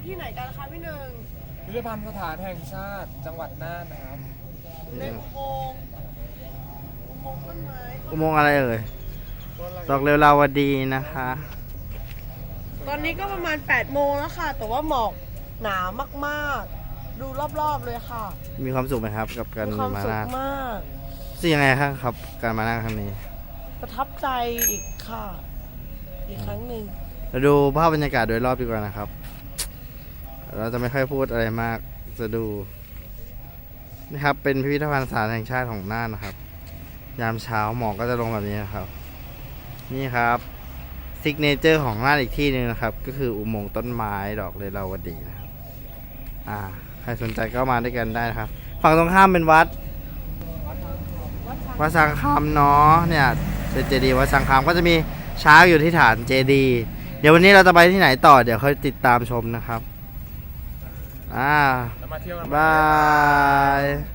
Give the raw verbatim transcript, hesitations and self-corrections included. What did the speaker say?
ที่ไหนกันคะพี่หนึ่งพิพิธภัณฑ์สถานแห่งชาติจังหวัดน่านนะครับในอุโมงค์อุโมงค์ต้นไม้อุโมงค์อะไรเอ่ยดอกเรวลาวดีนะคะตอนนี้ก็ประมาณแปดโมงแล้วค่ะ แต่ว่าหมอกหนามากๆ ดูรอบๆเลยค่ะมีความสุขไหมครับกับการมีความมาสุขน่านมากสิ่งยังไงครับครับ การมาน่านครั้งนี้ประทับใจอีกค่ะ อีกครั้งหนึ่งเราดูภาพบรรยากาศโดยรอบดีกว่านะครับ เราจะไม่ค่อยพูดอะไรมากจะดูนะครับเป็นพิพิธภัณฑ์สถานแห่งชาติของน่านนะครับ ยามเช้าหมอกก็จะลงแบบนี้นะครับ นี่ครับซิกเนเจอร์ของน่านอีกที่หนึ่งนะครับ ก็คืออุโมงค์ต้นไม้ดอกเรลาวดีนะครับอ่าใครสนใจก็มาด้วยกันได้นะครับ ฝั่งตรงข้ามเป็นวัดวัดสังคามเนาะเนี่ยเป็นเจดีย์วัดสังคามก็จะมีช้างอยู่ที่ฐานเจดีย์เดี๋ยววันนี้เราจะไปที่ไหนต่อเดี๋ยวค่อยติดตามชมนะครับอ่าแล้วมาเที่ยวกันบาย